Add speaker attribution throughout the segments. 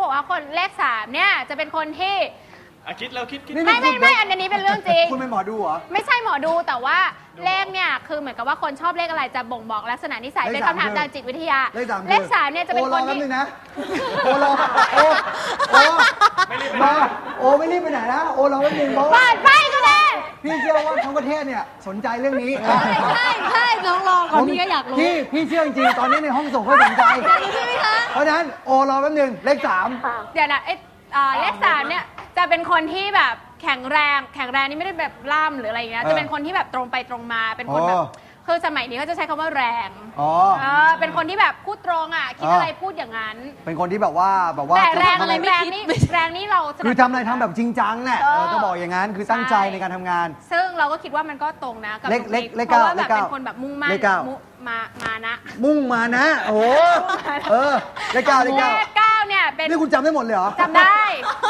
Speaker 1: บอกว่าคนเลข3เนี่ยจะเป็นคนที่
Speaker 2: คิดแล้วคิด
Speaker 1: ไม่อันนี้เป็นเรื่องจริง
Speaker 3: คุณเป็นหมอดูเหรอ
Speaker 1: ไม่ใช่หมอดูแต่ว่าเลขเนี่ยคือเหมือนกับว่าคนชอบเลขอะไรจะบ่งบอกลักษณะนิสัยเป็นคำถามทางจิตวิทยาเลข3เนี่ยจะเป็นคนที่
Speaker 3: โอ้รอไม่รีบไปไหนนะโอ้รอแป๊บนึงเพราะว่า
Speaker 1: ไปก็ได้
Speaker 3: พี่เชื่อว่าทั้งประเทศเนี่ยสนใจเรื่องนี้
Speaker 4: ใช่น้องรอก่อนพี่ก็อยากรู้
Speaker 3: พี่เชื่อจริงๆตอนนี้ในห้องส่งเขาสนใจเพราะฉะนั้นโอ้รอแป๊บนึงเลข3
Speaker 1: เดี๋ยวนะเลข3เนี่ยจะเป็นคนที่แบบแข็งแรงนี่ไม่ได้แบบล่ำหรืออะไรอย่างเงี้ยจะเป็นคนที่แบบตรงไปตรงมาเป็นคนแบบคือสมัยนี้เขาจะใช้คำว่าแรงเป็นคนที่แบบพูดตรงอ่ะคิดอะไรพูดอย่างนั้น
Speaker 3: เป็นคนที่แบบว่า
Speaker 1: แต่แรงนี่เรา
Speaker 3: คือทำอะไรทำแบบจริงจังแหละจะบอกอย่างนั้นคือตั้งใจในการทำงาน
Speaker 1: ซึ่งเราก็คิดว่ามันก็ตรงนะกับ
Speaker 3: เพ
Speaker 1: ราะว่าแบบเป็นคนแบบมุ่งมั่นมานะ
Speaker 3: มุ่งมานะโอ้โหเลข 9
Speaker 1: เนี่ยเป็น
Speaker 3: นี่คุณจำได้หมดเลยเหรอ
Speaker 1: จำได้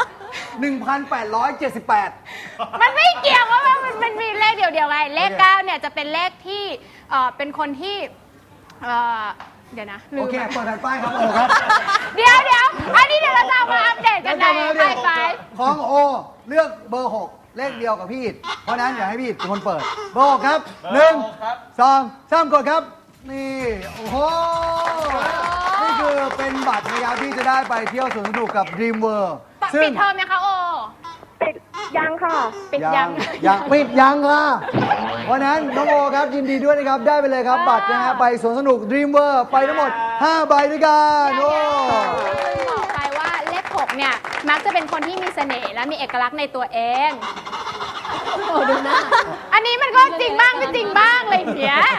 Speaker 3: 1878
Speaker 1: มันไม่เกี่ยวว่ามันมีเลขเดียวไงเลข9เนี่ยจะเป็นเลขที่เป็นคนที่เดี๋ยวนะ
Speaker 3: โอเคเปิดแผ่นป้ายครับโอครับ
Speaker 1: เดี๋ยวอันนี้เดี๋ยวเราจะมาอัปเดตกันในไป
Speaker 3: ของโอเลือกเบอร์6เลขเดียวกับพี่อิฐเพราะนั้นอย่าให้พี่อิฐเป็นคนเปิดเบอร์6ครับ1 2 3กดครับนี่โอ้โหนี่คือเป็นบัตรนะครับที่จะได้ไปเที่ยวสวนสนุกกับ Dream World
Speaker 1: ปิดเทอมนะคะโอ
Speaker 4: ปิดยังค่ะ
Speaker 1: ปิดยัง
Speaker 3: ปิดยังค่ะเพราะนั้นน้องโอครับยินดีด้วยนะครับได้ไปเลยครับบัตรนะฮะไปสวนสนุก Dream World ไปทั้งหมด5ใบด้วยกันโอ้
Speaker 1: บอกไปว่าเลข6เนี่ยมักจะเป็นคนที่มีเสน่ห์และมีเอกลักษณ์ในตัวเองโอ้ดูนะอันนี้มันก็จริงบ้างไม่จริงบ้างเลยเนี้ย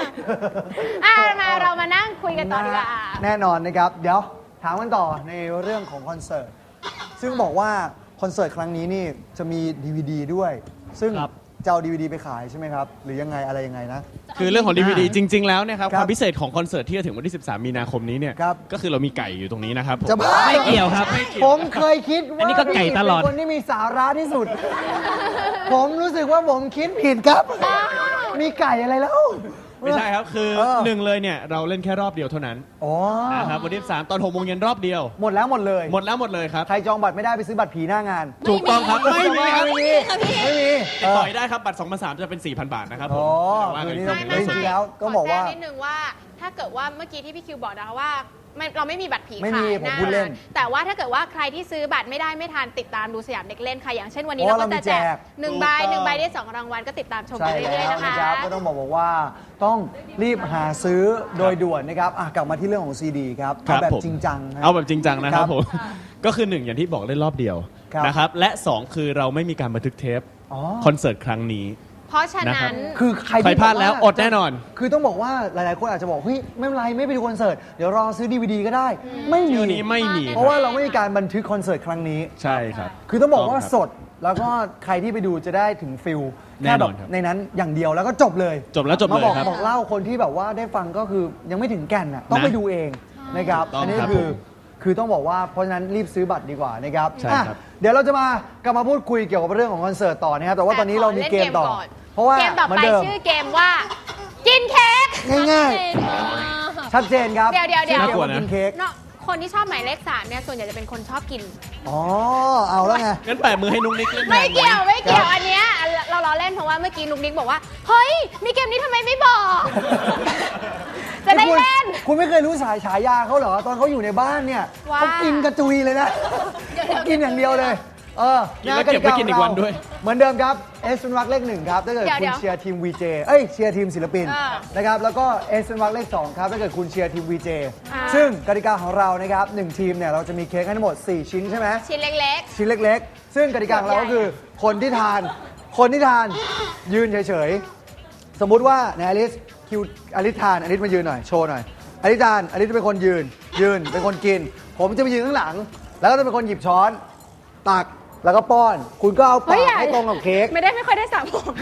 Speaker 1: เรามานั่งคุยกันต่อดีกว่า
Speaker 3: แน่นอนนะครับเดี๋ยวถามกันต่อในเรื่องของคอนเสิร์ตซึ่งบอกว่าคอนเสิร์ตครั้งนี้นี่จะมี DVD ด้วย ซึ่งจะเอา DVD ไปขายใช่ไหมครับหรือยังไงอะไรยังไงนะ
Speaker 2: คือเรื่องของ DVD จริงๆแล้วเนี่ยครับความพิเศษของคอนเสิร์ตที่จะถึงวันที่13มีนาคมนี้เนี่ยก็คือเรามีไก่อยู่ตรงนี้นะครับ
Speaker 3: จะ
Speaker 2: ไม่เกี่ยวครับ
Speaker 3: ผมเคยคิดว่า
Speaker 2: อันนี้ก็ไก่ตลอด
Speaker 3: เป็นคนที่มีสาระที่สุดผมรู้สึกว่าผมคิดผิดครับมีไก่อะไรแล้ว
Speaker 2: ไม่ใช่ครับคือ1เลยเนี่ยเราเล่นแค่รอบเดียวเท่านั้นนะครับวันที่13ตอน6 โมงเย็นรอบเดียว
Speaker 3: หมดแล้วหมดเลยครับ
Speaker 2: ใคร
Speaker 3: จองบัตรไม่ได้ไปซื้อบัตรผีหน้างาน
Speaker 2: ถูกต้องครับไม่มี
Speaker 3: ติ
Speaker 2: ดต่อได้ครับบัตร2 มา 3จะเป็น 4,000 บาทนะครับผม
Speaker 3: คือนี่จริงๆแล้วก็บอกว่า
Speaker 1: นิดนึงว่าถ้าเกิดว่าเมื่อกี้ที่พี่คิวบอกนะคะว่าเราไม่มีบัตรผี
Speaker 3: ขายนะ
Speaker 1: แต่ว่าถ้าเกิดว่าใครที่ซื้อบัตรไม่ได้ไม่ทันติดตามดูสยามเด็กเล่นค่ะอย่างเช่นวันนี้เราก็จะแจก1 ใบได้2 รางวัลก็ติดตามชมไปเรื่อยๆนะคะ
Speaker 3: ก็ต้องบอกว่าต้องรีบหาซื้อโดยด่วนนะครับกลับมาที่เรื่องของซีดีครับเอาแบบจริงจัง
Speaker 2: นะครับผมก็คือ1อย่างที่บอกเล่นรอบเดียวนะครับและ2คือเราไม่มีการบันทึกเทปคอนเสิร์ตครั้งนี้
Speaker 1: เพราะฉะนั้น
Speaker 3: คือใคร
Speaker 2: พลาดแล้วอดแน่นอน
Speaker 3: คือต้องบอกว่าหลายๆคนอาจจะบอกเฮ้ยไม่เป็นไรไม่ไปดูคอนเสิร์ตเดี๋ยวรอซื้อ DVD ก็ได้ไม่มีเพราะว่าเราไม่มีการบันทึกคอนเสิร์ตครั้งนี้
Speaker 2: ใช่ครับ
Speaker 3: คือต้องบอกว่าสดแล้วก็ใครที่ไปดูจะได้ถึงฟิลแค่แบบในนั้นอย่างเดียวแล้วก็จบเลย
Speaker 2: มา
Speaker 3: บอกเล่าคนที่แบบว่าได้ฟังก็คือยังไม่ถึงแก่นต้องไปดูเองนะครับอันนี้คือต้องบอกว่าเพราะฉะนั้นรีบซื้อบัตรดีกว่านะครับเดี๋ยวเราจะมากลับมาพูดคุยเกี่ยวกับเรื่องของคอนเสิร์ตต่อนะครับแต่ว่าตอนนี้เรามีเกมต่อเพราะว่า
Speaker 1: เกมต่อไปชื่อเกมว่ากินเค้ก
Speaker 3: ง่ายๆชัดเจนครับ
Speaker 1: เดี๋ยว
Speaker 3: กินเค้ก
Speaker 1: คนที่ชอบหมายเลข3เนี่ยส่วนใหญ่จะเป็นคนชอบกิน
Speaker 3: เอาแล้วไง
Speaker 2: งั้นแปะมือให้นุ๊กนิกเล่น
Speaker 1: ไม่เกี่ยวอันเนี้ยเราล้อเล่นเพราะว่าเมื่อกี้นุ๊กนิกบอกว่าเฮ้ยมีเกมนี้ทำไมไม่บอกจะได้เล่น
Speaker 3: คุณไม่เคยรู้ฉายาเขาเหรอตอนเขาอยู่ในบ้านเนี่ยเขากินกระจุยเลยนะเขากินอย่างเดียวเลย
Speaker 2: แล้วเก็บไว้กินอีกวันด้วย
Speaker 3: เหมือนเดิมครับเอสเป็นวรรคเลข1ครับถ้าเกิดคุณเชียร์ทีม VJ เชียร์ทีมศิลปินนะครับแล้วก็เอสเป็นวรรคเลข2ครับถ้าเกิดคุณเชียร์ทีม VJ ซึ่งกติกาของเรานะครับ1ทีมเนี่ยเราจะมีเค้กให้ทั้งหมด4ชิ้นใช่ไหม
Speaker 1: ชิ้นเ
Speaker 3: ล็กๆซึ่งกติกาของเราก็คือคนที่ทานยืนเฉยๆสมมุติว่าในอลิสคิวอลิสทานอลิสมายืนหน่อยโชว์หน่อยอลิสทานอลิสจะเป็นคนยืนเป็นคนกินผมจะไปยืนข้างหลังแล้วก็จะเป็นคนหยิบช้อนตักแล้วก็ป้อนคุณก็เอาปากให้ตรงกับเค้ก
Speaker 1: ไม่ค่อยได้สั่งผม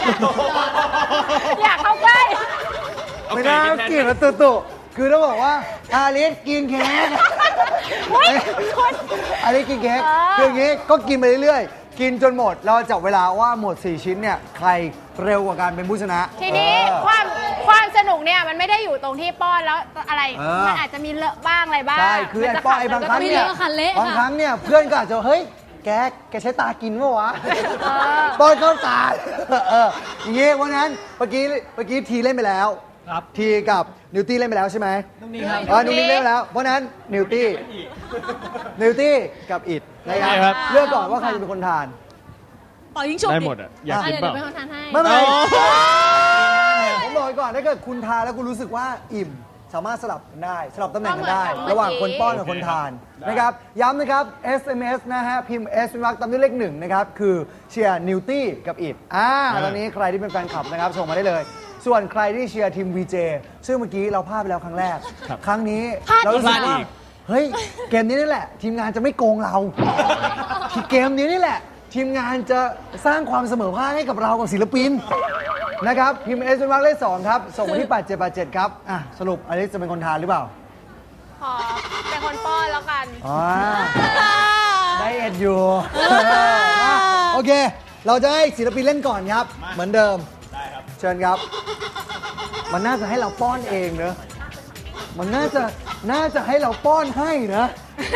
Speaker 1: อยากเข้าใกล้
Speaker 3: ไม่น่ากินแล้วตุคือต้องบอกว่าอาลิสกินเค้กอาลิสกินเค้กคืออย่างงี้ก็กินไปเรื่อยๆกินจนหมด เราจับเวลาว่าหมด 4 ชิ้นเนี่ย ใครเร็วกว่ากันเป็นผู้ชนะ
Speaker 1: ทีนี้
Speaker 3: เออ
Speaker 1: ความสนุกเนี่ยมันไม่ได้อยู่ตรงที่ป้อนแล้วอะไร มันอาจจะมีเลอะบ้างอะไรบ้าง
Speaker 3: ใช่ คือไอ้ป้อนไอ้บางครั้ง
Speaker 4: ไม่
Speaker 3: เนี่ย
Speaker 4: เลอะค่ะเละค่ะ
Speaker 3: บางครั้งเนี่ยเพื่อนก็อาจจะเฮ้ย แกใช้ตากินปะวะ
Speaker 1: เออ
Speaker 3: ป้อนเข้าตาอย่างงี้เพราะนั้นเมื่อกี้ทีเล่นไปแล้ว
Speaker 2: ครับ
Speaker 3: ทีกับนิวตี้เล่นไปแล้วใช่ไหม
Speaker 2: น้องนี่ครับ
Speaker 3: นิวตี้เล่นไปแล้ว เพราะนั้นนิวตี้กับอิดนะค
Speaker 2: ได้ค
Speaker 3: รั
Speaker 2: รั
Speaker 3: บบ เลือกก่อนว่าใครจะเป็นคนทาน
Speaker 4: ปล่อยยิงฉุบ
Speaker 2: ได้หมดอ่ะ อยากกิน
Speaker 4: เดี๋ยว
Speaker 2: เปล่า
Speaker 4: เป็นคนทานให้
Speaker 3: ไม่เป็นไร
Speaker 2: อ๋อ
Speaker 3: ผมบอกไว้ก่อนถ้าเกิดคุณทานแล้วคุณรู้สึกว่าอิ่ม สามารถสลับกันได้ สลับตำแหน่งกันได้ ระหว่างคนป้อนกับคนทานนะครับ ย้ำนะครับ SMS นะฮะ พิมพ์ S เป็นวรรคตามด้วยเลข1นะครับ คือเชียร์นิวตี้กับอิดตอนนี้ใครที่เป็นแฟนคลับนะครับ ส่งมาได้เลย ส่วนใครที่เชียร์ทีม VJ ซึ่งเมื่อกี้เราพลาดไปแล้วครั้งแรก
Speaker 2: ครับ
Speaker 3: ครั้งนี้
Speaker 4: พลาด
Speaker 3: เรารู้สึก
Speaker 2: พลาดอี
Speaker 3: ว่าก เฮ้ย เกมนี้นี่แหละ ทีมงานจะไม่โกงเรา ที่เกมนี้นี่แหละ ทีมงานจะสร้างความเสมอภาคให้กับเรากับศิลปินนะครับ พิมพ์ S เป็นวรรคเลข2ครับ ส่งมาที่ 8787 ครับสรุปอลิซจะเป็นคนทานหรือเปล่า
Speaker 1: ขอเป็นคนป้อนแล้วกัน
Speaker 3: อ๋อไดเอทอยู่โอเค เราจะให้ศิลปินเล่นก่อนครับ เหมือนเดิม ได้ครับ เชิญครับ มันน่าจะให้เราป้อนเองเนอะมันน่าจะให้เราป้อนให้นะ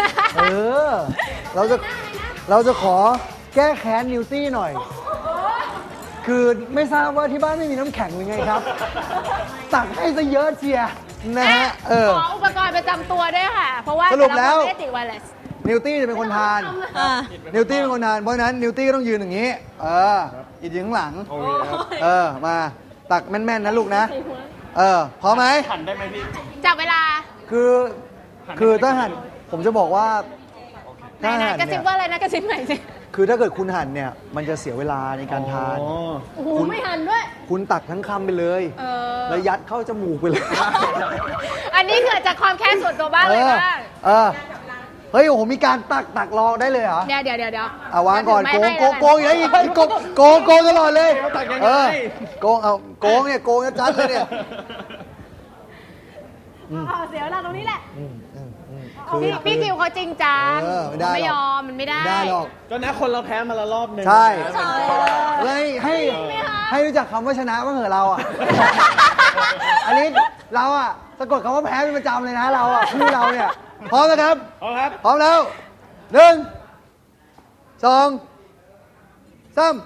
Speaker 3: เราจะขอแก้แค้นนิวตี้หน่อย คือไม่ทราบว่าที่บ้านไม่มีน้ำแข็งหรือไงครับ ตักให้ซะเยอะเชียร์นะฮะ
Speaker 1: ขออุปกรณ์ประจำตัวด้วยค่ะ เพราะว่า
Speaker 3: สรุปแล้ว
Speaker 1: ต่ะคนไม่ได้ติดไวเลส
Speaker 3: นิวตี้จะเป็นคนทาน นิวตี้เป็นคนทาน เพราะฉะนั้นนิวตี้ก็ต้องยืนอย่างนี้ อีกยืนข้างหลัง
Speaker 2: โอเคครับ
Speaker 3: มาตักแม่นๆนะลูกนะ พร้อมไหม
Speaker 2: หั่นได้ไหมพี่
Speaker 1: จับเวลา
Speaker 3: คือถ้าหั่นผมจะบอกว่า
Speaker 1: ไหน
Speaker 3: ถ้าหั่น
Speaker 1: ๆกระซิ
Speaker 3: เนี่
Speaker 1: บ
Speaker 3: ย
Speaker 1: ว่าอะไรนะกระซิบไหนอยสิ
Speaker 3: คือถ้าเกิดคุณหั่นเนี่ยมันจะเสียเวลาในการทาน
Speaker 2: อ๋อ
Speaker 1: โอ้โหไม่หันด้วย
Speaker 3: คุณตักทั้งคำไปเลย แล้วยัดเข้าจมูกไปเลย
Speaker 1: อันนี้เกิดจากความแค้นส่วนตัวบ้างเลยบ้าง
Speaker 3: เฮ้ยโอ้โหมีการตักรอได้เลยเหรอ
Speaker 1: เดี๋ยว
Speaker 3: วางก่อนโกงอยู่ไหนอีกโกงตลอดเลยโกงโกงเนี่ยโกงจัดเลยเนี่ย
Speaker 1: เสียเวลาตรงนี้แหละพี่คิวเขาจริงจัง
Speaker 3: ไม่ได้
Speaker 1: ไม่ยอมมันไม่ได้
Speaker 3: ไม่ได้หรอก
Speaker 2: ก็นะคนเราแพ้มาละรอบหนึง
Speaker 3: ใช่
Speaker 2: นะ
Speaker 3: เลยให้รู้จักคำว่าชนะบ้างเหรอเราอ่ะ อันนี้เราอ่ะสะกดคำว่าแพ้เป็นประจำเลยนะเราอ่ะคู่เราเนี่ยพร้อมนะครับ
Speaker 2: เอาครับ
Speaker 3: พร้อมแล้ว1 2 3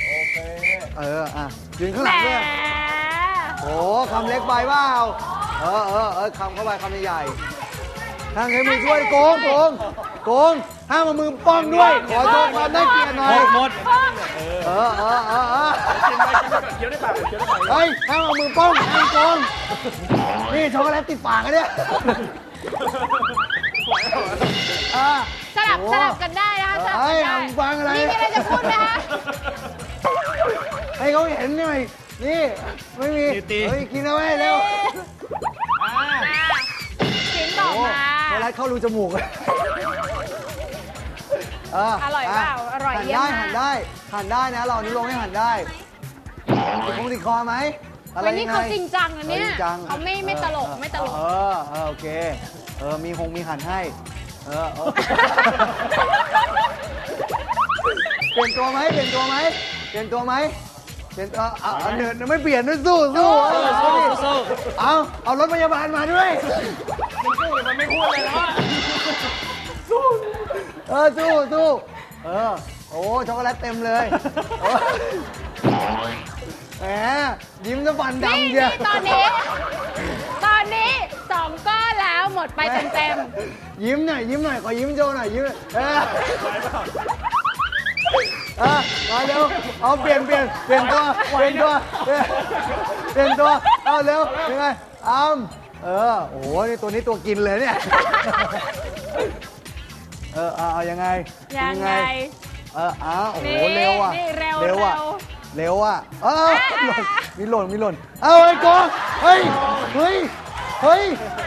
Speaker 3: ยืนข้างหลังด้วย โอ้คำเล็กไปเปล่าคำเข้าไปคำใหญ่ๆห้ามใช้มือช่วยโกงห้ามเอามือป้องด้วย ขอโชว์ความน่าเกลียดหน่อย
Speaker 2: หมด
Speaker 3: เคี้ยวได้ปากเฮ้ยห้ามเอามือป้องห้ามโกงนี่ช็อกโกแลตติดปากอะเนี่ย
Speaker 1: สลับกันได้นะคะสลับ
Speaker 3: เฮ้ย
Speaker 1: กันได้
Speaker 3: ฟังอะไร
Speaker 1: มีอะไรจะพูดไหมคะ
Speaker 3: ให้เขาเห็นหน่อยนี่ไม่มี
Speaker 2: ตี
Speaker 3: เฮ้ยกินเอาไว้เร็ว
Speaker 1: ชิ้นต่อ
Speaker 3: โอ้
Speaker 1: มา
Speaker 3: ช็อกโกแลตเข้ารูจมูกเลย
Speaker 1: อร่อยเปล่าอร่อย
Speaker 3: หั่น
Speaker 1: เยี่ย
Speaker 3: ได้
Speaker 1: มมาก
Speaker 3: หั่นได้นะเรานี่ลงให้หั่นได้ติดคอไหมอะไร
Speaker 1: วันนี้
Speaker 3: ยังไง
Speaker 1: เขาจริงจังนะเนี่ย
Speaker 3: จริงจัง
Speaker 1: เขาไม่ตลกไม่ตลก
Speaker 3: โอเคมีหั่นให้เปลี่ยนตัวไหมเอาเดินไม่เปลี่ยนด้วยสู้เอารถพยาบาลมาด้วย
Speaker 2: มันไม่พูดเลยแล้วอะ
Speaker 3: สู้โอ้ช็อกโกแลตเต็มเลยแหมยิ้มจะฟันดำเชียว
Speaker 1: ตอนนี้2 ก้อนแล้วหมดไปเต็ม
Speaker 3: ยิ้มหน่อยขอยิ้มโจหน่อยยิ้มมาเร็วเอาเปลี่ยนตัวเอาเร็วยังไงโอ้โหนี่ตัวนี้ตัวกินเลยเนี่ยเอายังไง
Speaker 1: ยังไง
Speaker 3: โอ้โห
Speaker 1: นี่
Speaker 3: เร็วอ่ะ
Speaker 1: นี่เร็ว
Speaker 3: มีหล่นเอาไอ้กองเฮ้ย